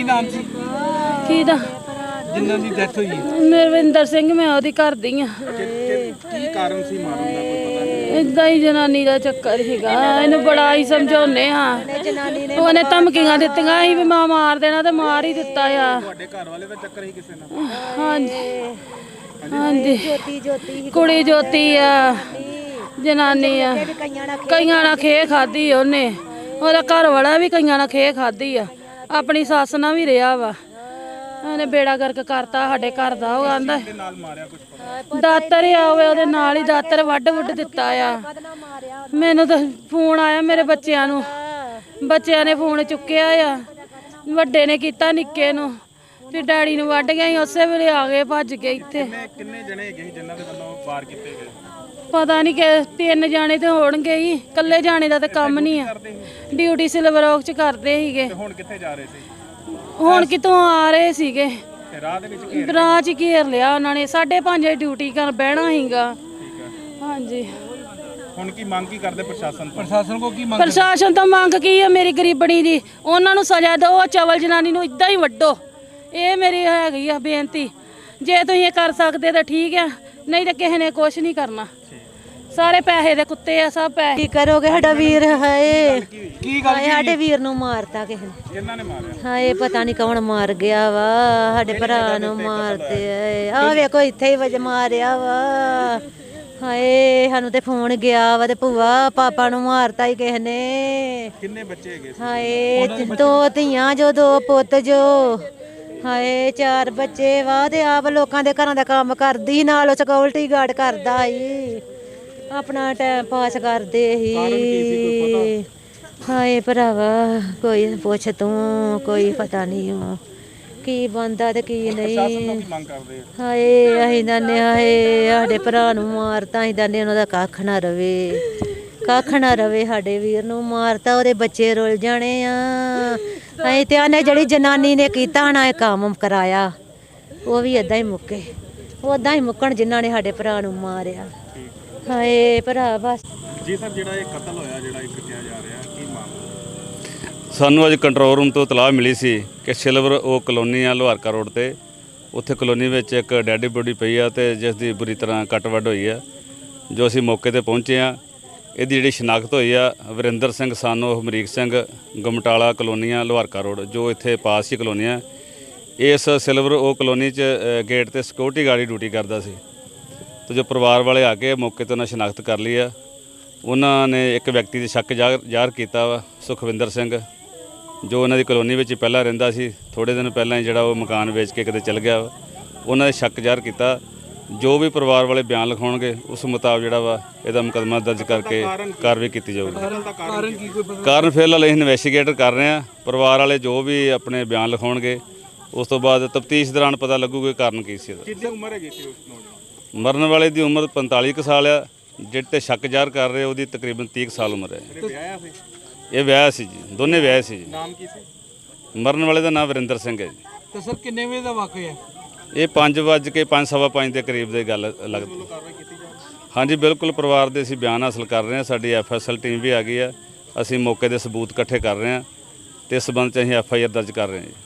ਨਾਮ ਸੀ ਕਿਹਦਾ? ਜਿਨ੍ਹਾਂ ਦੀ ਡੈਥ ਹੋਈ? ਨਰਵਿੰਦਰ ਸਿੰਘ, ਮੈਂ ਉਹਦੀ ਘਰ ਦੀ ਆ। ਕੀ ਕਾਰਨ ਸੀ ਮਾਰਨ ਦਾ, ਕੋਈ ਪਤਾ ਨਹੀਂ? ਇਦਾਂ ਹੀ ਜਨਾਨੀ ਦਾ ਚੱਕਰ ਸੀਗਾ। ਇਹਨੂੰ ਬੜਾ ਹੀ ਸਮਝਾਉਨੇ ਆ, ਉਹਨੇ ਧਮਕੀਆਂ ਦਿੱਤੀਆਂ ਸੀ ਵੀ ਮਾਂ ਮਾਰ ਦੇਣਾ ਤੇ ਮਾਰ ਹੀ ਦਿੱਤਾ ਆ। ਤੁਹਾਡੇ ਘਰ ਵਾਲੇ ਦਾ ਚੱਕਰ ਹੀ ਕਿਸੇ ਨਾਲ? ਹਾਂਜੀ ਹਾਂਜੀ, ਕੁੜੀ ਜੋਤੀ ਆ, ਜਨਾਨੀ ਆ। ਕਈਆਂ ਨਾਲ ਖੇ ਖਾਦੀ ਉਹਨੇ, ਉਹਦਾ ਘਰ ਵਾਲਾ ਵੀ ਕਈਆਂ ਨਾਲ ਖੇ ਖਾਦੀ ਆ, ਆਪਣੀ ਸੱਸ ਨਾਲ ਵੀ ਰਿਹਾ ਵਾ। ਉਹਨੇ ਬੇੜਾ ਗਰਕ ਕਰਤਾ ਸਾਡੇ ਘਰ ਦਾ। ਉਹ ਆਂਦਾ ਦਾਤਰ ਆ, ਉਹਦੇ ਨਾਲ ਹੀ ਦਾਤਰ ਵੱਢ ਦਿੱਤਾ ਆ। ਮੈਨੂੰ ਤਾਂ ਫੋਨ ਆਇਆ ਮੇਰੇ ਬੱਚਿਆਂ ਨੂੰ, ਬੱਚਿਆਂ ਨੇ ਫੋਨ ਚੁੱਕਿਆ ਆ, ਵੱਡੇ ਨੇ ਕੀਤਾ ਨਿੱਕੇ ਨੂੰ, ਫਿਰ ਡੈਡੀ ਨੂੰ ਵੱਢ ਗਿਆ। ਉਸੇ ਵੇਲੇ ਆ ਗਏ ਭੱਜ ਕੇ ਇੱਥੇ। ਕਿੰਨੇ ਜਣੇ ਹੈਗੇ ਜਿਨ੍ਹਾਂ ਦੇ ਵੱਲੋਂ ਵਾਰ ਕੀਤੇ ਗਏ? ਪਤਾ ਨਹੀਂ ਕਿ 3 ਜਾਣੇ ਤੇ ਹੋਣਗੇ ਹੀ, ਇਕੱਲੇ ਜਾਣੇ ਦਾ ਤਾਂ ਕੰਮ ਨਹੀਂ ਆ। ਡਿਊਟੀ ਸਿਲਵਰ ਔਕ ਚ ਕਰਦੇ ਸੀਗੇ। ਹੁਣ ਕਿੱਥੇ ਜਾ ਰਹੇ ਸੀ? ਹੁਣ ਕਿਤੋਂ ਆ ਰਹੇ ਸੀਗੇ, ਰਾਹ ਦੇ ਵਿੱਚ ਰਾਹ 'ਚ ਘੇਰ ਲਿਆ ਉਹਨਾਂ ਨੇ। 5:30 ਡਿਊਟੀ ਕਰ ਬਹਿਣਾ ਸੀਗਾ। ਹਾਂਜੀ, ਹੁਣ ਕੀ ਮੰਗ ਕੀ ਕਰਦੇ ਪ੍ਰਸ਼ਾਸਨ ਤੋਂ? ਪ੍ਰਸ਼ਾਸਨ ਕੋ ਕੀ ਮੰਗ? ਪ੍ਰਸ਼ਾਸਨ ਤੋਂ ਮੰਗ ਕੀ ਹੈ ਮੇਰੀ ਗਰੀਬਣੀ ਦੀ? ਉਹਨਾਂ ਨੂੰ ਸਜ਼ਾ ਦਿਓ, ਚਵਲ ਜਨਾਨੀ ਨੂੰ ਇਦਾਂ ਹੀ ਵੱਢੋ। ਇਹ ਮੇਰੀ ਹੈਗੀ ਆ ਬੇਨਤੀ। ਜੇ ਤੁਸੀਂ ਇਹ ਕਰ ਸਕਦੇ ਤਾਂ ਠੀਕ ਆ, ਨਹੀਂ ਤਾਂ ਕਿਸੇ ਨੇ ਕੁਛ ਨਹੀਂ ਕਰਨਾ। ਸਾਰੇ ਪੈਸੇ ਦੇ ਕੁੱਤੇ ਆ, ਸਭ ਪੈਸੇ। ਕੀ ਕਰੋਗੇ? ਸਾਡਾ ਵੀਰ ਹਾਏ, ਕੀ ਗੱਲ? ਸਾਡੇ ਵੀਰ ਨੂੰ ਮਾਰਤਾ ਕਿਸੇ ਨੇ। ਕਿਹਨਾਂ ਨੇ ਮਾਰਿਆ? ਹਾਏ ਪਤਾ ਨਹੀਂ ਕੌਣ ਮਾਰ ਗਿਆ ਵਾ, ਸਾਡੇ ਭਰਾ ਨੂੰ ਮਾਰਤੇ ਆ। ਵੇਖੋ ਇੱਥੇ ਹੀ ਵਜ ਮਾਰਿਆ ਵਾ। ਹਾਏ ਸਾਨੂੰ ਤੇ ਫੋਨ ਗਿਆ ਵਾ ਤੇ ਭੂਆ ਪਾਪਾ ਨੂੰ ਮਾਰਤਾ ਹੀ ਕਿਸੇ ਨੇ। ਕਿੰਨੇ ਬੱਚੇ ਹੈਗੇ? ਹਾਏ 2 ਧੀਆਂ ਜੋ 2 ਪੁੱਤ ਜੋ। ਹਾਏ 4 ਬੱਚੇ ਵਾ ਤੇ ਆਪ ਲੋਕਾਂ ਦੇ ਘਰਾਂ ਦਾ ਕੰਮ ਕਰਦੀ, ਨਾਲ ਉਹ ਸਿਕਿਉਰਿਟੀ ਗਾਰਡ ਕਰਦਾ ਸੀ, ਆਪਣਾ ਟਾਈਮ ਪਾਸ ਕਰਦੇ ਸੀ। ਹਾਏ ਭਰਾਵਾ ਕੋਈ ਪੁੱਛ ਤੂੰ, ਕੋਈ ਪਤਾ ਨਹੀਂ ਕੀ ਬੰਦਾ ਤੇ ਕੀ ਨਹੀਂ। ਹਾਏ ਅਸੀਂ ਦੰਨੇ, ਹਾਏ ਸਾਡੇ ਭਰਾ ਨੂੰ ਮਾਰਤਾ, ਅਸੀਂ ਦੰਨੇ ਉਹਨਾਂ ਦਾ ਕੱਖ ਨਾ ਰਵੇ, ਕੱਖ ਨਾ ਰਵੇ। ਸਾਡੇ ਵੀਰ ਨੂੰ ਮਾਰਤਾ, ਉਹਦੇ ਬੱਚੇ ਰੁੱਲ ਜਾਣੇ ਆ। ਅਸੀਂ ਤੇ ਆਨੇ ਜਿਹੜੀ ਜਨਾਨੀ ਨੇ ਕੀਤਾ ਨਾ ਇਹ ਕੰਮ ਕਰਾਇਆ, ਉਹ ਵੀ ਏਦਾਂ ਹੀ ਮੁੱਕੇ, ਉਦਾਂ ਹੀ ਮੁੱਕਣ ਜਿਨ੍ਹਾਂ ਨੇ ਸਾਡੇ ਭਰਾ ਨੂੰ ਮਾਰਿਆ। ਹਾਏ ਭਰਾ ਬਸ ਜੀ ਸਰ, ਜਿਹੜਾ ਇਹ ਕਤਲ ਹੋਇਆ, ਜਿਹੜਾ ਇੱਕ ਕਿਹਾ ਜਾ ਰਿਹਾ, ਕੀ ਮਾਮਲਾ? ਸਾਨੂੰ ਅੱਜ ਕੰਟਰੋਲ ਰੂਮ ਤੋਂ ਇਤਲਾਹ ਮਿਲੀ ਸੀ ਕਿ ਸਿਲਵਰ ਉਹ ਕਲੋਨੀ ਆ ਲੋਹਾਰਕਾ ਰੋਡ ਤੇ, ਉੱਥੇ ਕਲੋਨੀ ਵਿੱਚ ਇੱਕ ਡੈਡੀ ਬੋਡੀ ਪਈ ਆ ਤੇ ਜਿਸ ਦੀ ਬੁਰੀ ਤਰ੍ਹਾਂ ਕੱਟ ਵੱਢ ਹੋਈ ਆ। ਜੋ ਅਸੀਂ ਮੌਕੇ ਤੇ ਪਹੁੰਚੇ ਆ, ਇਹਦੀ ਜਿਹੜੀ ਸ਼ਨਾਖਤ ਹੋਈ ਆ ਵਰਿੰਦਰ ਸਿੰਘ ਸਾਨੋ ਹਮਰੀਕ ਸਿੰਘ, ਗਮਟਾਲਾ ਕਲੋਨੀਆਂ ਲੋਹਾਰਕਾ ਰੋਡ, ਜੋ ਇੱਥੇ ਪਾਸ ਹੀ ਕਲੋਨੀ ਆ। ਇਸ ਸਿਲਵਰ ਉਹ ਕਲੋਨੀ 'ਚ ਗੇਟ ਤੇ ਸਿਕਿਉਰਿਟੀ ਗਾਰਡ ਡਿਊਟੀ ਕਰਦਾ ਸੀ। ਤੇ ਜੋ ਪਰਿਵਾਰ ਵਾਲੇ ਆ ਕੇ ਮੌਕੇ 'ਤੇ ਉਹਨਾਂ ਸ਼ਨਾਖਤ ਕਰ ਲਈ ਆ। ਉਹਨਾਂ ਨੇ ਇੱਕ ਵਿਅਕਤੀ ਦੇ ਸ਼ੱਕ ਜ਼ਾਹਰ ਕੀਤਾ ਵਾ, ਸੁਖਵਿੰਦਰ ਸਿੰਘ, ਜੋ ਉਹਨਾਂ ਦੀ ਕਲੋਨੀ ਵਿੱਚ ਪਹਿਲਾਂ ਰਹਿੰਦਾ ਸੀ। ਥੋੜ੍ਹੇ ਦਿਨ ਪਹਿਲਾਂ ਹੀ ਜਿਹੜਾ ਉਹ ਮਕਾਨ ਵੇਚ ਕੇ ਕਿਤੇ ਚਲ ਗਿਆ ਵਾ। ਉਹਨਾਂ ਦੇ ਸ਼ੱਕ ਜ਼ਾਹਰ ਕੀਤਾ। ਜੋ ਵੀ ਪਰਿਵਾਰ ਵਾਲੇ ਬਿਆਨ ਲਿਖਾਉਣਗੇ ਉਸ ਮੁਤਾਬਕ ਜਿਹੜਾ ਵਾ ਇਹਦਾ ਮੁਕੱਦਮਾ ਦਰਜ ਕਰਕੇ ਕਾਰਵਾਈ ਕੀਤੀ ਜਾਊਗੀ। ਕਾਰਨ ਫਿਲਹਾਲ ਅਸੀਂ ਇਨਵੈਸਟੀਗੇਟ ਕਰ ਰਹੇ ਹਾਂ। ਪਰਿਵਾਰ ਵਾਲੇ ਜੋ ਵੀ ਆਪਣੇ ਬਿਆਨ ਲਿਖਾਉਣਗੇ ਉਸ ਤੋਂ ਬਾਅਦ ਤਫਤੀਸ਼ ਦੌਰਾਨ ਪਤਾ ਲੱਗੂਗਾ ਕਾਰਨ ਕੀ ਸੀ। ਕਿੰਨੀ ਉਮਰ ਹੈਗੀ ਸੀ ਉਸ ਨੌਜਵਾਨ? ਮਰਨ ਵਾਲੇ ਦੀ ਉਮਰ 45 ਕੁ ਸਾਲ ਆ, ਜਿਹੜੇ ਤੇ ਸ਼ੱਕ ਜ਼ਾਹਰ ਕਰ ਰਹੇ ਉਹਦੀ ਤਕਰੀਬਨ 30 ਸਾਲ ਉਮਰ ਹੈ। ਇਹ ਵਿਆਹ ਸੀ ਜੀ, ਦੋਨੇ ਵਿਆਹ ਸੀ ਜੀ। ਨਾਮ ਕੀ ਸੀ ਮਰਨ ਵਾਲੇ ਦਾ ਨਾਮ ਵਰਿੰਦਰ ਸਿੰਘ ਹੈ ਜੀ। ਤੇ ਸਰ ਕਿੰਨੇ ਵਜੇ ਦਾ ਵਾਕਿਆ ਹੈ ਇਹ? 5:05 ਦੇ ਕਰੀਬ ਦੀ ਗੱਲ ਲੱਗਦੀ। ਹਾਂਜੀ ਬਿਲਕੁਲ, ਪਰਿਵਾਰ ਦੇ ਅਸੀਂ ਬਿਆਨ ਹਾਸਲ ਕਰ ਰਹੇ ਹਾਂ। ਸਾਡੀ FSL ਟੀਮ ਵੀ ਆ ਗਈ ਆ। ਅਸੀਂ ਮੌਕੇ ਦੇ ਸਬੂਤ ਇਕੱਠੇ ਕਰ ਰਹੇ ਹਾਂ ਤੇ ਇਸ ਸੰਬੰਧ 'ਚ ਅਸੀਂ FIR ਦਰਜ ਕਰ ਰਹੇ ਹਾਂ ਜੀ।